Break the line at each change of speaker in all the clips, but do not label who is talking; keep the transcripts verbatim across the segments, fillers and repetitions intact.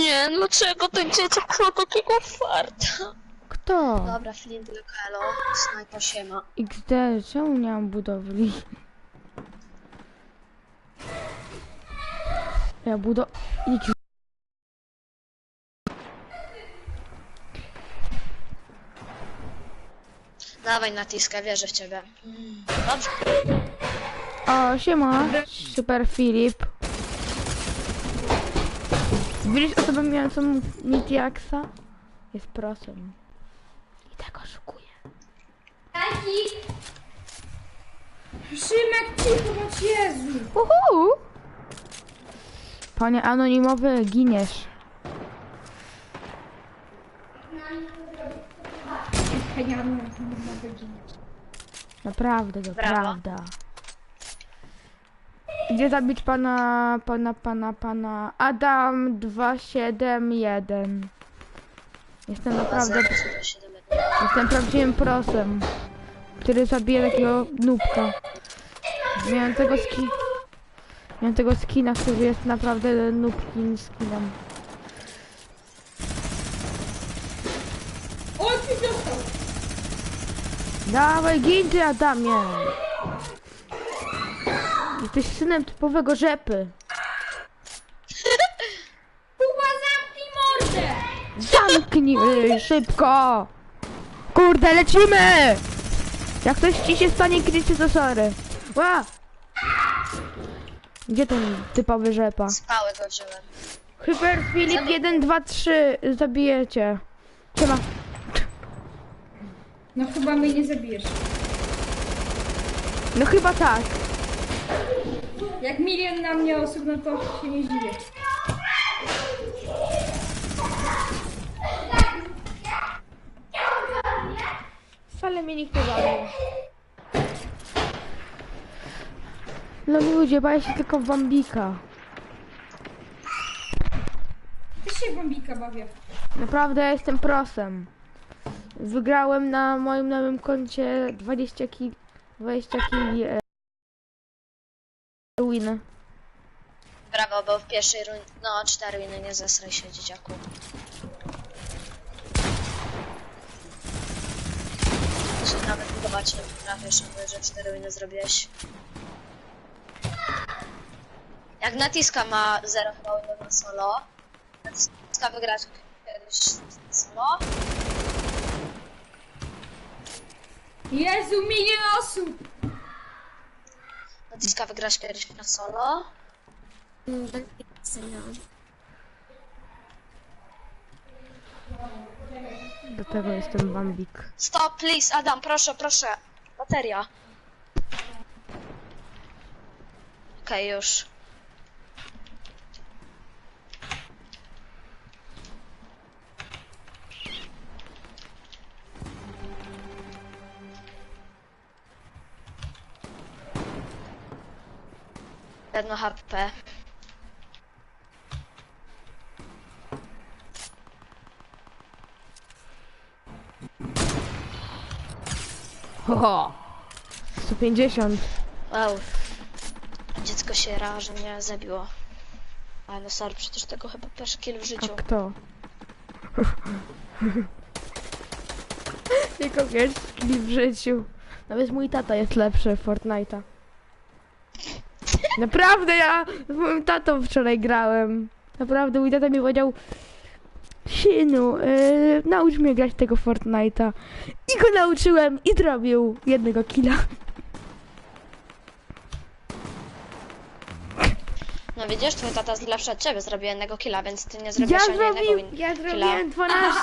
nie, dlaczego ten dzieciak ma takiego farta?
Kto?
Dobra, Flint Lokalo, snajpa siema.
X D, czemu nie mam budowli? Ja budo... X...
Dawaj natiskę, wierzę w ciebie. Dobrze.
O, siema, super Filip. Widzisz osobę mającą Mitiaxa? Jest prosem. I tak oszukuje.
Taki! Szymek, cicho, bądź Jezu!
Uhu! Panie anonimowy, giniesz.
Ja nie mogę ginąć.
Naprawdę, to
Brawo.
prawda. Gdzie zabić pana, pana, pana, pana Adam dwa siedem jeden. Jestem naprawdę, jestem prawdziwym prosem, który zabije takiego nubka. Miałem tego ski, miałem tego skina, który jest naprawdę nubkim skinem.
O, ty dostał!
Dawaj, gin ty, Adamie! Jesteś synem typowego rzepy.
Kuba, zamknij mordę!
Zamknij y, szybko! Kurde, lecimy! Jak ktoś ci się stanie, krycie, to sorry. Ła! Gdzie ten typowy rzepa?
Spały go wziąłem.
Hyper Filip jeden, dwa, trzy zabijecie. Siema.
No chyba mnie nie zabijesz.
No chyba tak.
Jak milion na mnie osób, no to się nie zdziwię.
Wcale mnie nikt nie zabił. No ludzie, baję się tylko w Bambika.
Też się bombika bawię.
Naprawdę ja jestem prosem. Wygrałem na moim nowym koncie dwadzieścia kili, dwadzieścia kili e, win.
Brawo, bo w pierwszej rundzie... No, cztery winy, nie zesraj się, dzieciaku. To się nawet budować nie potrafisz, że cztery winy zrobiłeś. Jak Natiska ma zero chyba winów na solo, Natiska wygrać kiedyś solo.
Jezu, milion osób!
Natiska wygrasz kiedyś na solo.
Do tego jestem Bambik.
Stop, please, Adam, proszę, proszę. Bateria. Okej, okay, już. Jedno H P.
Ho, sto pięćdziesiąt.
Wow. Dziecko się ra, że mnie zabiło. Ale no sorry, przecież tego chyba pierwszy kill w
A
życiu.
kto? Tylko wiesz, skill w życiu. Nawet mój tata jest lepszy w Fortnite'a. Naprawdę, ja z moim tatą wczoraj grałem. Naprawdę, mój tata mi powiedział: synu, yy, naucz mnie grać tego Fortnite'a. I go nauczyłem i zrobił jednego killa.
No widzisz, twój tata jest lepszy od ciebie, zrobił jednego killa, więc ty nie zrobisz
Ja,
ani jednego
zrobił,
win
ja
killa.
zrobiłem dwanaście.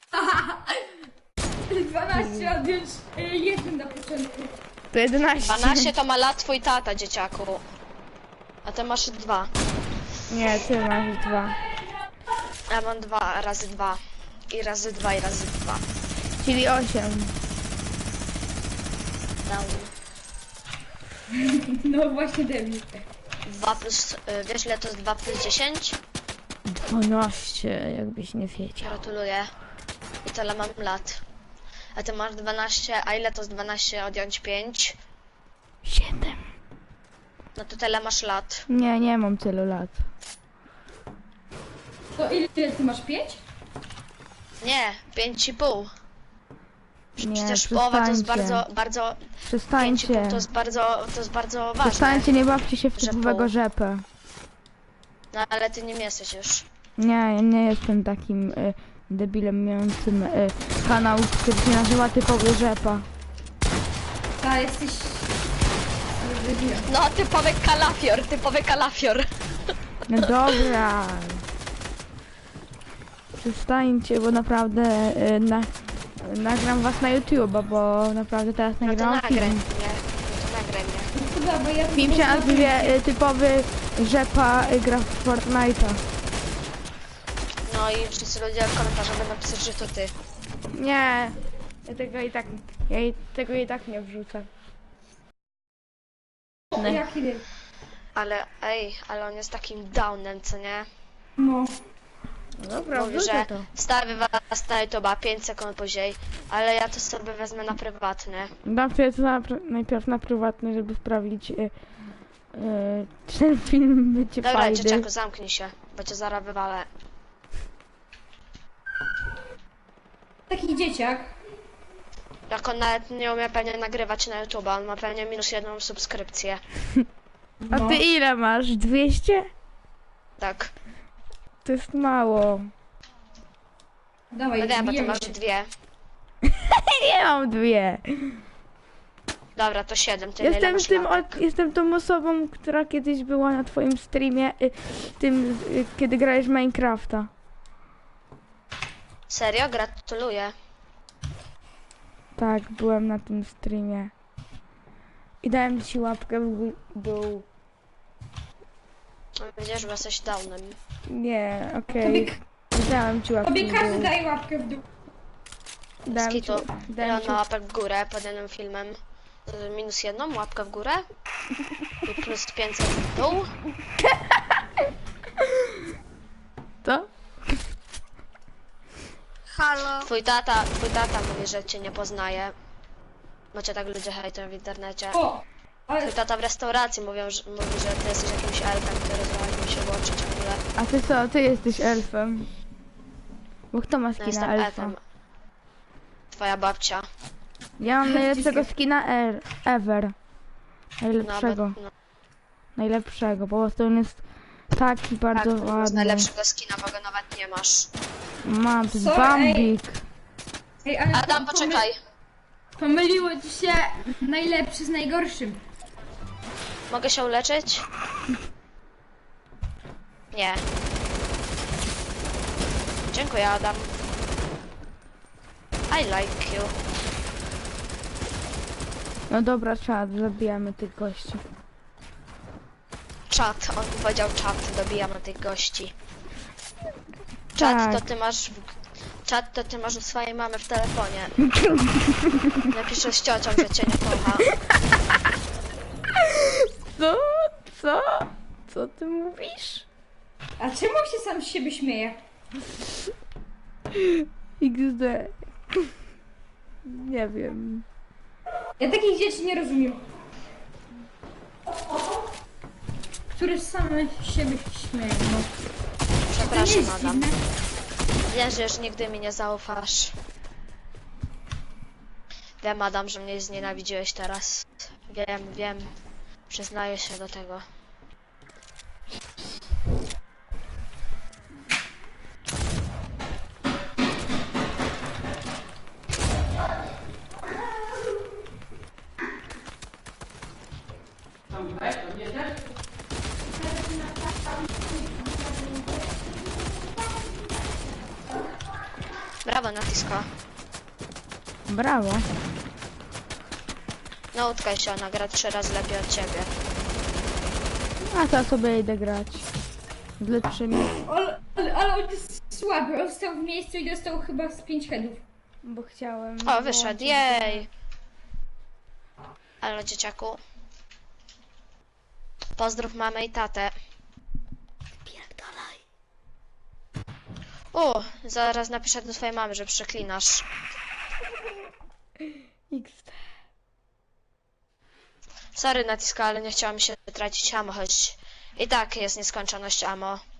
dwanaście odjąć y, jeden na początku.
To jedenaście.
dwanaście to ma lat twój tata, dzieciaku. A ty masz dwa.
Nie, ty masz dwa.
Ja mam dwa razy dwa. I razy dwa, i razy dwa.
Czyli osiem.
Down.
No właśnie debil.
dwa plus... Y, wiesz ile to jest dwa plus dziesięć?
dwanaście, jakbyś nie wiedział.
Gratuluję. I tyle mam lat. A ty masz dwanaście, a ile to jest dwanaście odjąć pięć?
siedem.
No to tyle masz lat.
Nie, nie mam tylu lat.
To ile ty masz? Pięć?
Nie, pięć i pół.
Nie,
Przecież połowa to jest
przestańcie.
bardzo, bardzo... pięć i
Przestańcie.
pół to jest bardzo, to jest bardzo ważne.
Przestańcie, nie bawcie się w
że
typowego
pół.
rzepę.
No ale ty nim jesteś już.
Nie, ja nie jestem takim y, debilem mającym y, kanał, który się nazywa typowy rzepa.
Ta, jesteś... debilem.
No, typowy kalafior, typowy kalafior.
No dobra. Przestańcie, bo naprawdę y, na, nagram was na YouTube'a, bo naprawdę teraz
No to
nagram
nagraj
film.
mnie. No to nagraj mnie.
No to dobra, ja...
Film się nazywa y, typowy rzepa y, gra w Fortnite'a.
No i wszyscy ludzie w komentarzach będą pisać, że to ty.
Nie, ja tego i tak, ja i, tego i tak nie wrzucę.
O, jaki ty?
Ale ej, ale on jest takim downem, co nie?
No.
No dobra,
Mówi,
wrzucę
że
to.
wstawię was na YouTube'a pięć sekund później, ale ja to sobie wezmę na prywatne.
Dam sobie to na, pr- najpierw na prywatny, żeby sprawdzić, y, y, czy ten film będzie
Dobra,
fajny.
dzieciaku, zamknij się, bo cię zaraz wywalę.
Taki dzieciak.
Jak on nawet nie umie pewnie nagrywać na YouTube'a, on ma pewnie minus jedną subskrypcję.
A
No.
ty ile masz? dwieście?
Tak.
To jest mało.
Dawaj,
No wiem, bo ty
bijemy
masz
się.
dwie.
Nie mam dwie.
Dobra, to siedem, ty ile
Jestem
masz
tym,
łapek?
od, jestem tą osobą, która kiedyś była na twoim streamie, y, tym, y, kiedy grałeś w Minecrafta.
Serio? Gratuluję.
Tak, byłem na tym streamie. I dałem ci łapkę w gó- dół.
Widzisz, że jesteś downem.
Nie, okej.
Tobie,
Dałem ci łapkę
tobie
w
każdy
dół.
daje łapkę w dół.
Dałem ci,
Skitu. Ile
dałem
on
ci,
ma łapek w górę pod jednym filmem? Y, Minus jedną łapkę w górę? I plus pięćset w dół?
to?
Halo? Twój tata, twój tata mówi, że cię nie poznaje. Bo cię tak ludzie hejtują w internecie.
O! Ale
Twój tata w restauracji mówią, że, mówi, że ty jesteś jakimś elfem, który zwalił się w oczy ciągle.
A ty co, ty jesteś elfem? Bo kto ma
No
skina
jestem
elfa?
elfem. Twoja babcia.
Ja mam najlepszego skina er, ever.
No,
Najlepszego.
bo, no,
Najlepszego, po prostu on jest taki bardzo
tak, masz
ładny.
najlepszego skina, bo go nawet nie masz.
Mam, to jest
Sorry,
Bambik.
Ej, ale
Adam,
po-
poczekaj.
Pomyliło ci się najlepszy z najgorszym.
Mogę się uleczyć? Nie. Dziękuję, Adam. I like you.
No dobra, czad, zabijamy tych gości.
Czat, on powiedział czat, dobijamy tych gości. Czat
Tak.
to ty masz w... Czat to ty masz u swojej mamy w telefonie. Napiszę z ciocią, że cię nie kocha.
Co? Co? Co ty mówisz?
A czemu się sam z siebie śmieje?
iks de. Nie wiem.
Ja takich dzieci nie rozumiem. Które same z siebie śmieją. No. To nie
Przepraszam,
jest
Adam.
dziwne.
Wiem, że już nigdy mi nie zaufasz. Wiem, Adam, że mnie znienawidziłeś teraz. Wiem, wiem. Przyznaję się do tego. Brawo, Natisko.
Brawo.
Nauczkaj się, ona gra trzy razy lepiej od ciebie.
A to sobie idę grać. Z lepszymi.
Ale, ale, ale on jest słaby. On stał w miejscu i dostał chyba z pięć headów.
Bo chciałem.
O, wyszedł, jej! Halo, dzieciaku. Pozdrów mamę i tatę. Pierdolaj. O, zaraz napiszę do twojej mamy, że przeklinasz.
iks de.
Sorry, Natiska, ale nie chciałam się tracić ammo, choć i tak jest nieskończoność ammo.